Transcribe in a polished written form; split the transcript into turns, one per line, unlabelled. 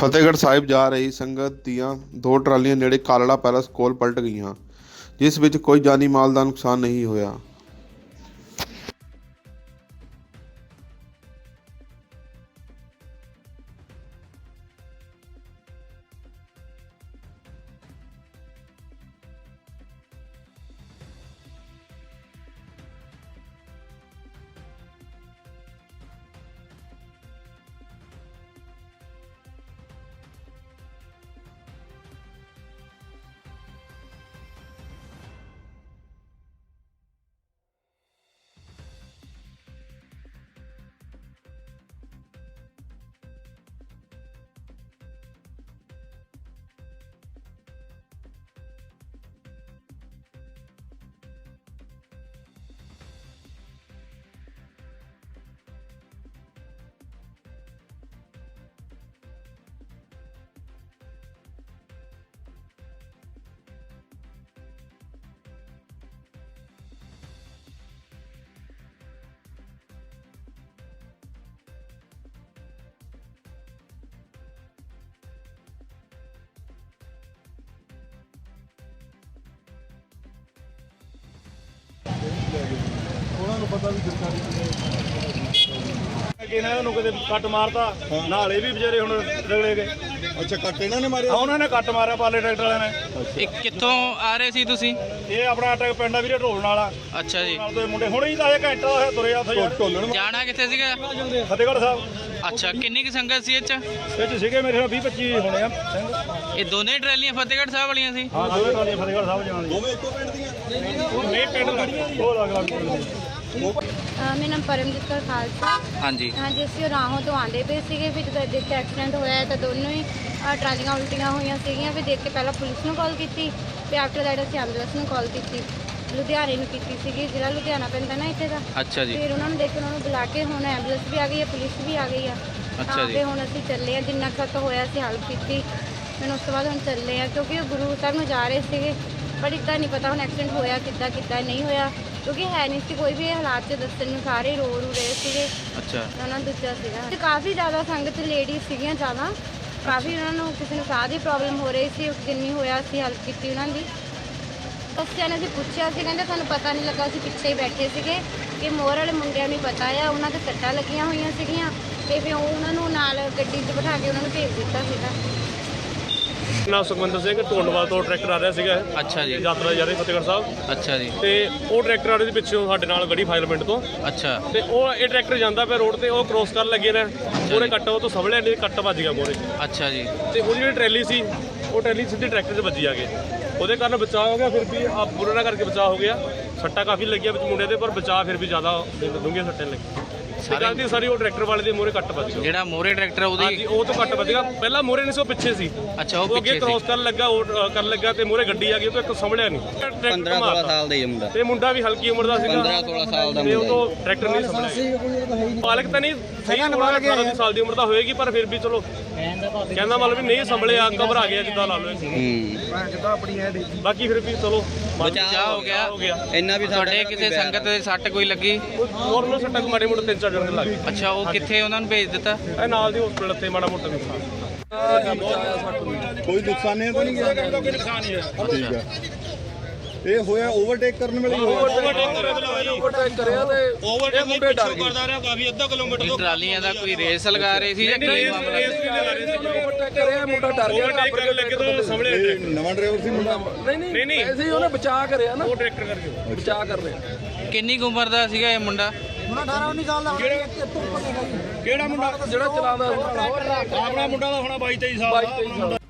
ਫਤਿਹਗੜ੍ਹ ਸਾਹਿਬ ਜਾ ਰਹੀ ਸੰਗਤ ਦੀਆਂ ਦੋ ਟਰਾਲੀਆਂ ਨੇੜੇ ਕਾਲੜਾ ਪੈਲੇਸ ਕੋਲ ਪਲਟ ਗਈਆਂ, ਜਿਸ ਵਿੱਚ ਕੋਈ ਜਾਨੀ ਮਾਲ ਦਾ ਨੁਕਸਾਨ ਨਹੀਂ ਹੋਇਆ।
ਉਹਨਾਂ ਨੂੰ ਪਤਾ ਵੀ ਸਰਕਾਰੀ ਇਹਨਾਂ ਨੂੰ ਕਿਤੇ ਕੱਟ ਮਾਰਤਾ, ਨਾਲੇ ਵੀ ਵਿਚਾਰੇ ਹੁਣ ਰਗੜੇ ਗਏ।
ਅੱਛਾ, ਕੱਟ ਇਹਨਾਂ ਨੇ ਮਾਰਿਆ?
ਉਹਨਾਂ ਨੇ ਕੱਟ ਮਾਰਿਆ ਪਾਲੇ ਟਰੈਕਟਰ ਵਾਲਿਆਂ ਨੇ।
ਇਹ ਕਿੱਥੋਂ ਆ ਰਹੇ ਸੀ ਤੁਸੀਂ?
ਇਹ ਆਪਣਾ ਟਰੈਕ ਪਿੰਡ ਆ ਵੀਰੇ, ਢੋਲ ਵਾਲਾ।
ਅੱਛਾ ਜੀ।
ਨਾਲ ਦੇ ਮੁੰਡੇ ਹੁਣੇ ਹੀ ਤਾਂ ਇਹ ਘੰਟਾ ਹੋਇਆ ਤੁਰਿਆ ਉੱਥੇ ਯਾਰ।
ਢੋਲਣ
ਜਾਣਾ ਕਿੱਥੇ ਸੀਗਾ?
ਫਤਿਹਗੜ੍ਹ ਸਾਹਿਬ।
ਅੱਛਾ, ਕਿੰਨੀ ਕੁ ਸੰਗਤ ਸੀ ਇਹ 'ਚ?
ਇਹ 'ਚ ਸੀਗੇ ਮੇਰੇ ਨਾਲ 20-25 ਹੋਣੇ ਆ ਸਿੰਘ।
ਇਹ ਦੋਨੇ ਟਰਾਲੀਆਂ ਫਤਿਹਗੜ੍ਹ ਸਾਹਿਬ ਵਾਲੀਆਂ ਸੀ?
ਹਾਂ, ਦੋਵੇਂ ਟਰਾਲੀਆਂ ਫਤਿਹਗੜ੍ਹ ਸਾਹਿਬ ਜਾਣ
ਦੋਵੇਂ ਇੱਕੋ ਪਿੰਡ ਦੀਆਂ?
ਨਹੀਂ, ਪਿੰਡ ਉਹ ਅਲੱਗ-ਅਲੱਗ ਪਿੰਡ ਦੇ।
ਮੇਰਾ ਨਾਮ ਪਰਮਜੀਤ ਕੌਰ ਖਾਲਸਾ।
ਹਾਂਜੀ
ਹਾਂਜੀ, ਅਸੀਂ ਰਾਹੋਂ ਤੋਂ ਆਉਂਦੇ ਪਏ ਸੀਗੇ, ਫਿਰ ਜਦੋਂ ਦੇਖ ਕੇ ਐਕਸੀਡੈਂਟ ਹੋਇਆ ਤਾਂ ਦੋਨੋਂ ਹੀ ਟਰਾਲੀਆਂ ਉਲਟੀਆਂ ਹੋਈਆਂ ਸੀਗੀਆਂ। ਫਿਰ ਦੇਖ ਕੇ ਪਹਿਲਾਂ ਪੁਲਿਸ ਨੂੰ ਕਾਲ ਕੀਤੀ, ਫਿਰ ਆਫਟਰ ਦੈਟ ਅਸੀਂ ਐਂਬੂਲੈਂਸ ਨੂੰ ਕਾਲ ਕੀਤੀ, ਲੁਧਿਆਣੇ ਨੂੰ ਕੀਤੀ ਸੀਗੀ, ਜਿਹੜਾ ਲੁਧਿਆਣਾ ਪੈਂਦਾ ਨਾ ਇੱਥੇ ਦਾ।
ਅੱਛਾ ਜੀ।
ਫਿਰ ਉਹਨਾਂ ਨੂੰ ਦੇਖ ਕੇ ਉਹਨਾਂ ਨੂੰ ਬੁਲਾ ਕੇ ਹੁਣ ਐਂਬੂਲੈਂਸ ਵੀ ਆ ਗਈ ਹੈ, ਪੁਲਿਸ ਵੀ ਆ ਗਈ ਆ।
ਅੱਛਾ ਜੀ।
ਫਿਰ ਹੁਣ ਅਸੀਂ ਚੱਲੇ ਆ, ਜਿੰਨਾ ਖਤ ਹੋਇਆ ਅਸੀਂ ਹੈਲਪ ਕੀਤੀ। ਫਿਰ ਉਸ ਤੋਂ ਬਾਅਦ ਹੁਣ ਚੱਲੇ ਆ, ਕਿਉਂਕਿ ਉਹ ਗੁਰੂ ਸਾਹਿਬ ਨੂੰ ਜਾ ਰਹੇ ਸੀਗੇ, ਪਰ ਇੱਦਾਂ ਨਹੀਂ ਪਤਾ ਹੁਣ ਐਕਸੀਡੈਂਟ ਹੋਇਆ ਕਿੱਦਾਂ ਨਹੀਂ ਹੋਇਆ, ਕਿਉਂਕਿ ਹੈ ਨਹੀਂ ਸੀ ਕੋਈ ਵੀ ਇਹ ਹਾਲਾਤ 'ਚ ਦੱਸਣ ਨੂੰ, ਸਾਰੇ ਰੋ ਰਹੇ ਸੀਗੇ।
ਅੱਛਾ।
ਉਹਨਾਂ ਨੂੰ ਦੂਜਾ ਸੀਗਾ ਤੇ ਕਾਫੀ ਜ਼ਿਆਦਾ ਸੰਗਤ ਲੇਡੀਜ਼ ਸੀਗੀਆਂ ਜ਼ਿਆਦਾ, ਕਾਫੀ ਉਹਨਾਂ ਨੂੰ ਕਿਸੇ ਨੂੰ ਸਾਹ ਦੀ ਪ੍ਰੋਬਲਮ ਹੋ ਰਹੀ ਸੀ। ਜਿੰਨੀ ਹੋਇਆ ਅਸੀਂ ਹੈਲਪ ਕੀਤੀ ਉਹਨਾਂ ਦੀ। ਬੱਚਿਆਂ ਨੇ ਅਸੀਂ ਪੁੱਛਿਆ ਸੀ, ਕਹਿੰਦੇ ਸਾਨੂੰ ਪਤਾ ਨਹੀਂ ਲੱਗਾ, ਅਸੀਂ ਪਿੱਛੇ ਹੀ ਬੈਠੇ ਸੀਗੇ ਕਿ ਮੋਰ ਵਾਲੇ ਮੁੰਡਿਆਂ ਨੂੰ ਪਤਾ ਆ, ਉਹਨਾਂ ਦੇ ਸੱਟਾਂ ਲੱਗੀਆਂ ਹੋਈਆਂ ਸੀਗੀਆਂ ਤੇ ਫਿਰ ਉਹਨਾਂ ਨੂੰ ਨਾਲ ਗੱਡੀ 'ਚ ਬਿਠਾ ਕੇ ਉਹਨਾਂ ਨੂੰ ਭੇਜ ਦਿੱਤਾ ਸੀਗਾ।
ਨਾਮ ਸੁਖਵਿੰਦਰ ਸਿੰਘ, ਢੋਲਵਾਲ ਤੋਂ ਟਰੈਕਟਰ ਆ ਰਿਹਾ ਸੀਗਾ।
ਅੱਛਾ ਜੀ।
ਯਾਤਰਾ ਜਾ ਰਹੀ ਫਤਿਹਗੜ੍ਹ ਸਾਹਿਬ।
ਅੱਛਾ ਜੀ।
ਤੇ ਉਹ ਟਰੈਕਟਰ ਵਾਲੇ ਦੇ ਪਿੱਛੋਂ ਸਾਡੇ ਨਾਲ ਗੜੀ ਫਾਇਲ ਪਿੰਡ ਤੋਂ।
ਅੱਛਾ।
ਤੇ ਉਹ ਇਹ ਟਰੈਕਟਰ ਜਾਂਦਾ ਪਿਆ ਰੋਡ ਤੇ, ਉਹ ਕ੍ਰੋਸ ਕਰਨ ਲੱਗੇ ਨੇ, ਉਹਨੇ ਕੱਟ ਉਹ ਤੋਂ ਸਵਲੇ ਨੇ ਕੱਟ ਵੱਜ ਗਿਆ ਮੋਰੇ।
ਅੱਛਾ ਜੀ।
ਤੇ ਉਹਦੀ ਜਿਹੜੀ ਟਰੈਲੀ ਸੀ, ਉਹ ਟਰੈਲੀ ਸਿੱਧੀ ਟਰੈਕਟਰ 'ਚ ਵੱਜੀ ਆ ਕੇ, ਉਹਦੇ ਕਾਰਨ ਬਚਾਅ ਹੋ ਗਿਆ। ਫਿਰ ਵੀ ਆ ਬੁਰਾ ਨਾ ਕਰਕੇ ਬਚਾਅ ਹੋ ਗਿਆ। ਸੱਟਾਂ ਕਾਫੀ ਲੱਗੀਆਂ ਵਿੱਚ ਮੁੰਡੇ ਦੇ, ਪਰ ਬਚਾਅ ਫਿਰ ਵੀ ਜ਼ਿਆਦਾ ਡੂੰਘੀਆਂ ਸੱਟਾਂ ਲੱਗੀਆਂ। ਸਾਰੀ ਉਹ ਟਰੈਕਟਰ ਵਾਲੇ ਦੇ ਮੋਰੇ ਕੱਟ ਵੱਜ ਗਿਆ।
ਜਿਹੜਾ ਮੋਰੇ ਟਰੈਕਟਰ ਉਹਦੀ?
ਹਾਂਜੀ, ਉਹ ਤੋਂ ਕੱਟ ਵੱਜ ਗਿਆ। ਪਹਿਲਾਂ ਮੋਰੇ ਨਹੀਂ ਸੀ, ਉਹ ਪਿੱਛੇ ਸੀ।
ਅੱਛਾ, ਉਹ
ਉਹ ਅੱਗੇ
ਪਿੱਛੇ
ਕ੍ਰੋਸ
ਸੀ।
ਕਰਨ ਲੱਗਾ, ਉਹ ਕਰਨ ਲੱਗਾ ਤੇ ਮੋਰੇ ਗੱਡੀ ਆ ਗਈ, ਉਹ ਤੋਂ ਇੱਕ ਸੰਭਲਿਆ ਨਹੀਂ।
15-16 ਸਾਲ ਦਾ ਹੀ ਮੁੰਡਾ,
ਤੇ ਮੁੰਡਾ ਵੀ ਹਲਕੀ ਉਮਰ ਦਾ ਸੀਗਾ।
15-16 ਸਾਲ ਦਾ
ਤੇ ਉਹ
ਮੁੰਡਾ
ਤੋਂ ਟਰੈਕਟਰ ਨਹੀਂ ਸੰਭਲਿਆ। ਮਾਲਕ ਤਾਂ ਨਹੀਂ ਸਹੀ, 18 ਸਾਲ ਦੀ ਉਮਰ ਦਾ ਹੋਏਗੀ, ਪਰ ਫਿਰ ਵੀ ਚਲੋ ਕਹਿੰਦਾ ਮਤਲਬ ਵੀ ਨਹੀਂ ਸੰਭਲਿਆ, ਘਬਰਾ ਗਿਆ ਜਿੱਦਾਂ ਲਾ ਲਓ। ਬਾਕੀ ਫਿਰ ਵੀ ਚਲੋ
ਬਚਾਅ ਹੋ ਗਿਆ।
ਇੰਨਾ ਵੀ
ਤੁਹਾਡੇ ਕਿਸੇ ਸੰਗਤ ਦੇ ਸੱਟ ਕੋਈ ਲੱਗੀ?
ਹੋਰ ਨੂੰ ਸੱਟਾਂ ਮਾੜੇ ਮੋਟੇ 3-4 ਜਣੇ ਲੱਗ ਗਏ।
ਅੱਛਾ, ਉਹ ਕਿੱਥੇ ਉਹਨਾਂ ਨੂੰ ਭੇਜ ਦਿੱਤਾ?
ਇਹ ਨਾਲ ਦੀ ਹਸਪੀਟਲ ਤੇ ਮਾੜਾ ਮੋਟਾ ਨੁਕਸਾਨ।
ਕੋਈ ਨੁਕਸਾਨ ਨਹੀਂ ਤਾਂ ਨਹੀਂ ਗਿਆ?
ਕੋਈ ਨੁਕਸਾਨ ਨਹੀਂ ਹੈ।
ਠੀਕ ਹੈ। ਇਹ ਹੋਇਆ ਓਵਰਟੇਕ ਕਰਨ ਵੇਲੇ ਹੀ ਹੋਇਆ?
ਓਵਰਟੇਕ ਕਰਿਆ ਤੇ ਇਹ ਮੁੰਡੇ ਡਰ ਗਏ। ਕਰਦਾ ਰਿਹਾ ਕਾਫੀ, ਅੱਧਾ ਕਿਲੋਮੀਟਰ
ਇਹ ਟਰਾਲੀਆਂ ਦਾ ਕੋਈ ਰੇਸ ਲਗਾ ਰਹੇ ਸੀ ਜਾਂ ਕੀ ਮਾਮਲਾ?
ਓਵਰਟੇਕ ਕਰਿਆ, ਮੁੰਡਾ ਡਰ ਗਿਆ। ਓਵਰਟੇਕ ਕਰਨ ਲੱਗੇ ਤਾਂ ਸੰਭਲਿਆ
ਇਹ ਨਵਾਂ ਡਰਾਈਵਰ ਸੀ ਮੁੰਡਾ?
ਨਹੀਂ ਐਸੇ ਹੀ ਉਹਨੇ ਬਚਾਅ ਕਰਿਆ ਨਾ, ਉਹ ਟਰੈਕਟਰ ਕਰਕੇ ਬਚਾਅ ਕਰ ਰਿਹਾ।
ਕਿੰਨੀ ਕੁ ਉਮਰ ਦਾ ਸੀਗਾ ਇਹ ਮੁੰਡਾ?
ਮੁੰਡਾ 18-19 ਸਾਲ ਦਾ।
ਕਿਹੜਾ ਮੁੰਡਾ? ਜਿਹੜਾ ਚਲਾਉਂਦਾ ਆਪਣਾ ਮੁੰਡਾ ਦਾ ਹੋਣਾ 22-23 ਸਾਲ ਦਾ।